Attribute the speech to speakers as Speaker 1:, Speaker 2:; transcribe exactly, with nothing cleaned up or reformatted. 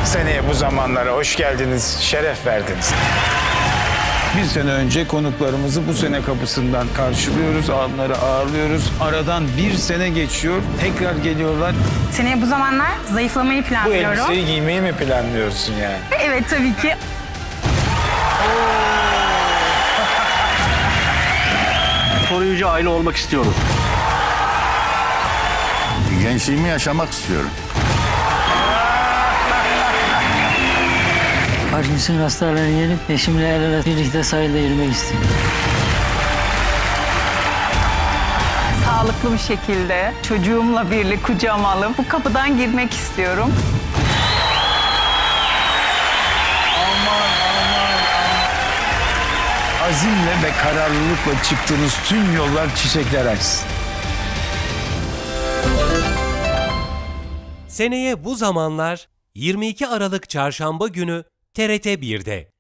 Speaker 1: Seneye bu zamanlara hoş geldiniz, şeref verdiniz. Bir sene önce konuklarımızı bu sene kapısından karşılıyoruz, onları ağırlıyoruz. Aradan bir sene geçiyor, tekrar geliyorlar.
Speaker 2: Seneye bu zamanlar zayıflamayı
Speaker 1: Bu
Speaker 2: planlıyorum.
Speaker 1: elbiseyi giymeyi mi planlıyorsun yani?
Speaker 2: Evet tabii ki.
Speaker 3: Koruyucu aile olmak istiyoruz.
Speaker 4: Gençliğimi yaşamak istiyorum.
Speaker 5: Parkinson hastalarını yenip eşimle el ele birlikte sahilde yürümek istiyorum.
Speaker 2: Sağlıklı bir şekilde çocuğumla birlikte kucağıma alıp bu kapıdan girmek istiyorum.
Speaker 1: Azimle ve kararlılıkla çıktığınız tüm yollar çiçekler açsın.
Speaker 6: Seneye bu zamanlar yirmi iki Aralık Çarşamba günü T R T bir'de.